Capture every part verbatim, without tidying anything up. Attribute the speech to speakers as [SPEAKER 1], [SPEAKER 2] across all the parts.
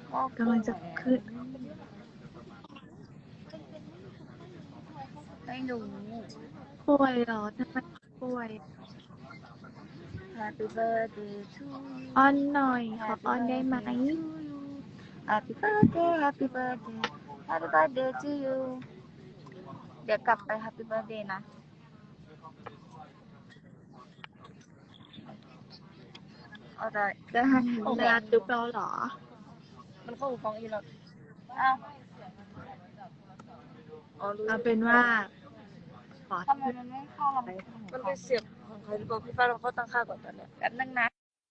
[SPEAKER 1] ก็
[SPEAKER 2] กำลังจะขึ้น
[SPEAKER 1] ไม่รู้
[SPEAKER 2] ป่วยเหรอทำไมป่วย
[SPEAKER 1] Happy birthday to
[SPEAKER 2] อ้อ
[SPEAKER 1] you
[SPEAKER 2] นหน่อยขอ
[SPEAKER 1] Happy
[SPEAKER 2] อ้อนได้ไหม
[SPEAKER 1] birthday to you Happy birthday Happy birthday Happy birthday to you เดี๋ยวกลับไป Happy birthday นะเอาได้
[SPEAKER 2] จะให้เวลาจุ๊บเราเหรอ
[SPEAKER 1] มันเข้าหูฟังอีกแล้วอ้าวอ๋อรู้
[SPEAKER 2] เอาเป็นว่าขอ
[SPEAKER 1] ทำไมมันไม่เข้าลำโพงมันเป็นเสียบของใครหรือเปล่าพี่ฟ้าเราเข้าตั้งค่าก่อนตอนเนี้ยแป๊บนึงนะ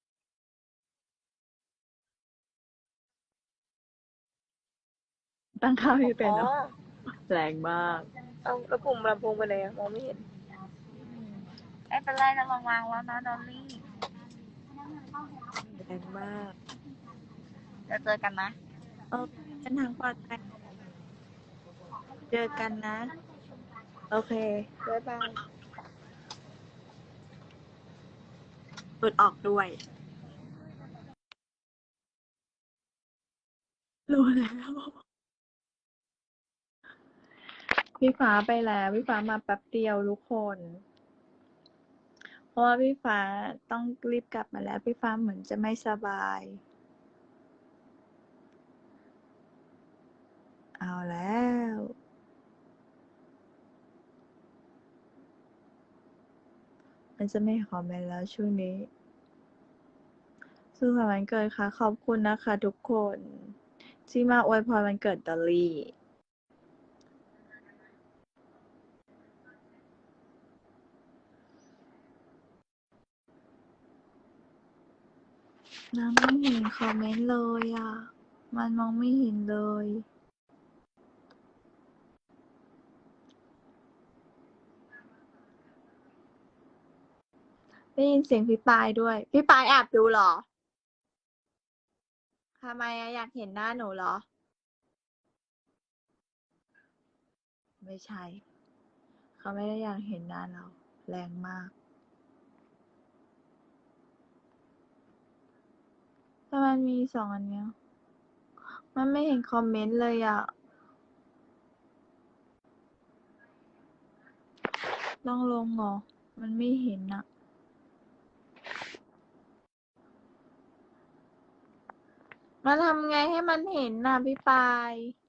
[SPEAKER 2] ตั้งค่าไม่เป็น
[SPEAKER 1] อ๋
[SPEAKER 2] เหร
[SPEAKER 1] อ
[SPEAKER 2] อแรงมาก
[SPEAKER 1] เอาแล้วปุ่มลำโพงไปไหนอะมองไม่เห็นไม่เป็นไรนะลองวางแล้วนะดอลลี่
[SPEAKER 2] แรงมาก
[SPEAKER 1] เดี๋ยวเจอกันนะ
[SPEAKER 2] เออเดินทางปลอดภัยเจอกันนะ โอเค
[SPEAKER 1] บ๊ายบาย
[SPEAKER 2] หลุดออกด้วย รู้แล้ว พี่ฟ้าไปแล้ว พี่ฟ้ามาแป๊บเดียวทุกคน เพราะว่าพี่ฟ้าต้องรีบกลับมาแล้ว พี่ฟ้าเหมือนจะไม่สบาย เอาแล้ว มันจะไม่คอมเมนต์แล้วช่วงนี้ สุขสันต์วันเกิดค่ะ ขอบคุณนะคะทุกคน ที่มาอวยพรวันเกิดดอลลี่ น้ำไม่เห็นคอมเมนต์เลยอ่ะ มันมองไม่เห็นเลย ได้ยินเสียงพี่ปายด้วย พี่ปายแอบดูเหรอ ทำไมอะอยากเห็นหน้าหนูเหรอ ไม่ใช่ เขาไม่ได้อยากเห็นหน้าเรา แรงมากแต่มันมีสองอันเนี้ย มันไม่เห็นคอมเมนต์เลยอ่ะ ต้องลงเหรอ มันไม่เห็นอ่ะ มาทำไงให้มันเห็นน่ะพี่ปาย